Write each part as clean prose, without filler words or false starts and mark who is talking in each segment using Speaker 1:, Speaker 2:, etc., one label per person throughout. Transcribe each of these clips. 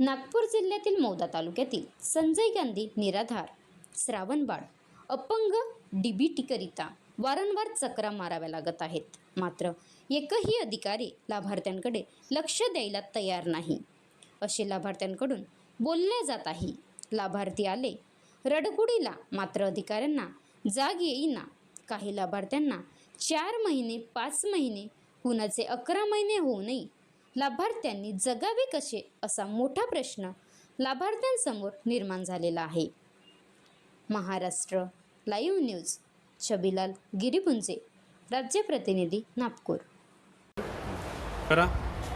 Speaker 1: नागपूर जिल्ह्यातील मौदा तालुक्यातील संजय गांधी निराधार श्रावणबाळ अपंग डीबीटीकरिता वारंवार चक्रा माराव्या लागत आहेत. मात्र एकही अधिकारी लाभार्थ्यांकडे लक्ष द्यायला तयार नाही असे लाभार्थ्यांकडून बोलले जात आहे. लाभार्थी आले रडकुडीला, मात्र अधिकाऱ्यांना जाग येईना. काही लाभार्थ्यांना 4 महिने 5 महिने, कुणाचे 11 महिने होऊनही लाभार्थ्यांनी जगावे कसे असा मोठा प्रश्न लाभार्थ्यांसमोर निर्माण झालेला आहे. महाराष्ट्र लाईव्ह न्यूज, छबिलाल गिरीपुंजे, राज्य प्रतिनिधी, नागपूर.
Speaker 2: करा,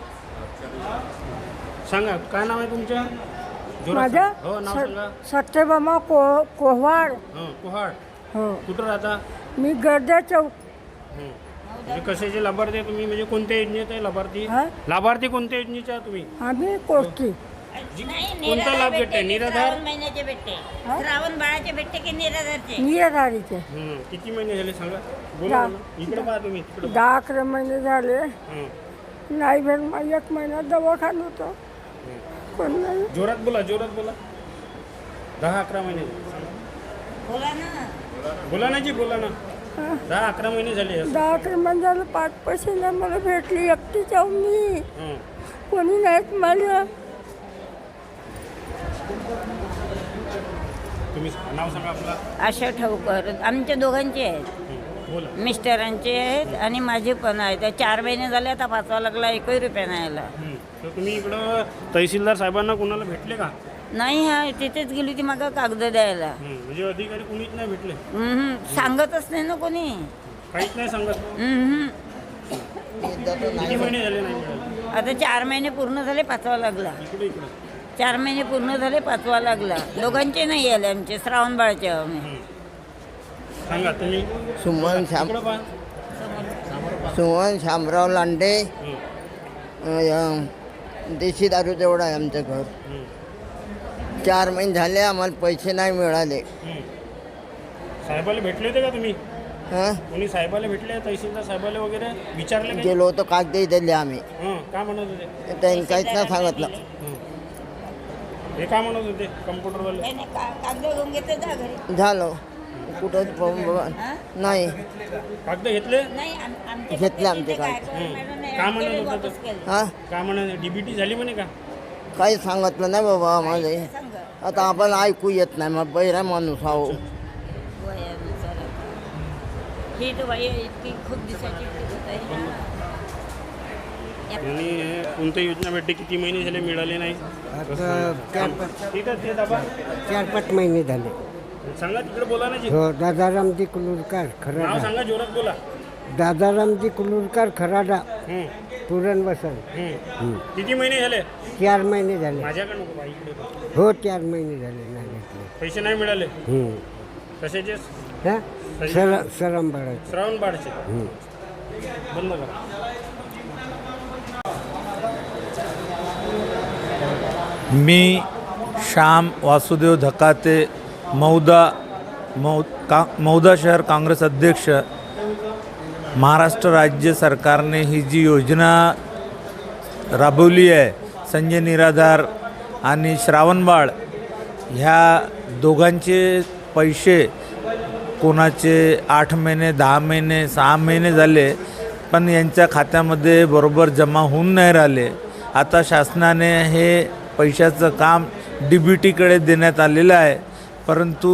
Speaker 2: सांगा काय नाव आहे तुमचं?
Speaker 3: माझं
Speaker 2: हो, नाव सांगा.
Speaker 3: सत्यभामा कोव्हाड.
Speaker 2: कुहाड.
Speaker 3: हो,
Speaker 2: कुठं राहता?
Speaker 3: मी गर्दे चौक.
Speaker 2: म्हणजे कशाचे लाभार्थी आहे तुम्ही? म्हणजे कोणत्या योजनेचे आहे लाभार्थी? लाभार्थी कोणत्या योजनेचे आहे तुम्ही?
Speaker 3: आम्ही कोष्टी.
Speaker 2: कोणता लाभ भेटते? निराधार
Speaker 4: महिन्याचे भेटते, श्रावण बाळाचे भेटते की निराधारचे?
Speaker 3: निराधारीचे.
Speaker 2: किती महिने झाले सांगा? बोला ना. इकडे पहा तुम्ही.
Speaker 3: 10-11 महिने झाले. नाही भेट, मग 1 महिना दवाखाना होतो. कोण नाही.
Speaker 2: जोरात बोला, जोरात बोला. 10-11 महिने.
Speaker 4: बोला ना.
Speaker 2: बोला ना जी, बोला ना. 10-11 महिने झाले.
Speaker 3: 10-11 महिने झाले. 5 पैसे नाही मला भेटली. एकटी जाऊ मी. कोणी नाहीत मला.
Speaker 2: तुम्ही नाव सांगा आपला.
Speaker 4: आशा ठाऊकर. आमच्या दोघांचे आहेत,
Speaker 2: बोला.
Speaker 4: मिस्टरांचे आहेत आणि माझे पण आहेत. 4 महिने झाले, आता 5वा लागला, 1 रुपया नाही आला.
Speaker 2: तर तुम्ही इकडं तहसीलदार साहेबांना कोणाला भेटले का?
Speaker 4: नाही, हा तिथेच गेली होती मागं कागद द्यायला.
Speaker 2: म्हणजे अधिकारी कोणीच नाही भेटले?
Speaker 4: सांगतच नाही ना कोणी.
Speaker 2: काहीच नाही सांगत. किती महिने झाले नाही मिळाले?
Speaker 4: आता 4 महिने पूर्ण झाले, 5वा लागला.
Speaker 2: इकडे इकडे
Speaker 4: 4 महिने पूर्ण झाले, 5वा लागला. दोघांचे नाही आले आमचे, श्रावण बाळाचे आम्ही.
Speaker 2: सांगा तुम्ही.
Speaker 5: सुमन शामराव लांडे. देशी दारू तेवढा आहे आमचं घर. 4 महिने झाले, आम्हाला पैसे नाही मिळाले.
Speaker 2: साहेबाला भेटले होते का तुम्ही?
Speaker 5: हां,
Speaker 2: कोणी साहेबाला भेटले? तहसीलदार साहेबाला वगैरे विचारले का?
Speaker 5: गेलो होतो, कागदही दिले आम्ही.
Speaker 2: काय म्हणत होते?
Speaker 5: त्यांनी काहीच नाही सांगितलं.
Speaker 2: हे काय म्हणत होते कम्प्युटरवाले?
Speaker 4: कागद घेऊन घेते जा घरी.
Speaker 5: झालं कुठं नाही
Speaker 2: कागद घेतले?
Speaker 5: घेतले आमचे काय.
Speaker 2: काय म्हणत होते?
Speaker 5: हां,
Speaker 2: काय म्हणत? डीबीटी झाली म्हणे का?
Speaker 5: काही सांगितलं नाही बाबा माझे. आता आपण ऐकू येत नाही, मग बैरा माणूस आहो.
Speaker 4: ही तर बाई इतकी खूप दिवसाची
Speaker 2: आणि कोणत्या योजना भेटते? किती महिने झाले मिळाले नाही? ठीक आहे, ते दाबा.
Speaker 6: 4-5 महिने झाले.
Speaker 2: सांगा, तिकडे बोला ना जी.
Speaker 6: हो, दादारामजी कुलूरकर
Speaker 2: नाव
Speaker 6: खराडा.
Speaker 2: सांगा, जोरात बोला.
Speaker 6: दादारामजी कुलूरकर खराडा, पुरण बसन.
Speaker 2: किती महिने झाले?
Speaker 6: 4 महिने झाले.
Speaker 2: माझ्याकडे नको बाई, इकडे बघ.
Speaker 6: हो, 4 महिने झाले नाही भेटले.
Speaker 2: पैसे नाही मिळाले. कशाचे?
Speaker 6: हा, सरम बाळाचे.
Speaker 2: श्रावण बाळचे. बंद करा.
Speaker 7: मी श्याम वासुदेव धकाते, मौदा शहर काँग्रेस अध्यक्ष. महाराष्ट्र राज्य सरकारने ही जी योजना राबवली आहे, संजय निराधार आणि श्रावणबाळ, ह्या दोघांचे पैसे कोणाचे 8 महिने 10 महिने 6 महिने झाले, पण यांच्या खात्यामध्ये बरोबर जमा होऊन नाही राहिले. आता शासनाने हे पैशाचं काम डीबीटीकडे देण्यात आलेलं आहे, परंतु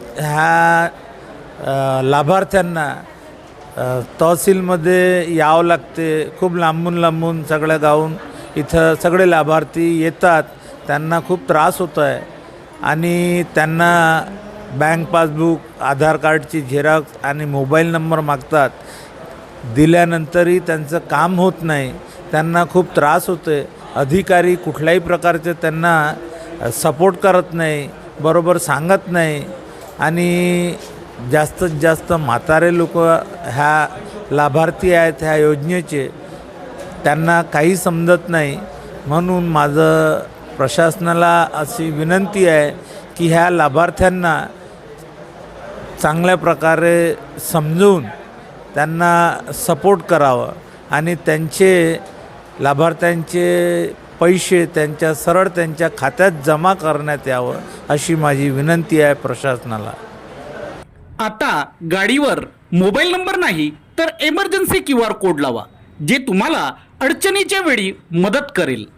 Speaker 7: ह्या लाभार्थ्यांना तहसीलमध्ये यावं लागते. खूप लांबून लांबून सगळ्या गावून इथं सगळे लाभार्थी येतात. त्यांना खूप त्रास होतो आहे आणि त्यांना बँक पासबुक, आधार कार्डची झेरॉक्स आणि मोबाईल नंबर मागतात. दिल्यानंतरही त्यांचं काम होत नाही. त्यांना खूप त्रास होतो आहे. अधिकारी कुठल्याही प्रकारचे त्यांना सपोर्ट करत नाही, बरोबर सांगत नाही आणि जास्तीत जास्त म्हातारे लोक ह्या लाभार्थी आहेत ह्या योजनेचे, त्यांना काही समजत नाही. म्हणून माझं प्रशासनाला अशी विनंती आहे की ह्या लाभार्थ्यांना चांगल्या प्रकारे समजून त्यांना सपोर्ट करावं आणि त्यांचे लाभार्थ्यांचे पैसे त्यांच्या सरळ त्यांच्या खात्यात जमा करण्यात यावं अशी माझी विनंती आहे प्रशासनाला.
Speaker 8: आता गाडीवर मोबाईल नंबर नाही तर एमर्जन्सी QR कोड लावा, जे तुम्हाला अडचणीच्या वेळी मदत करेल.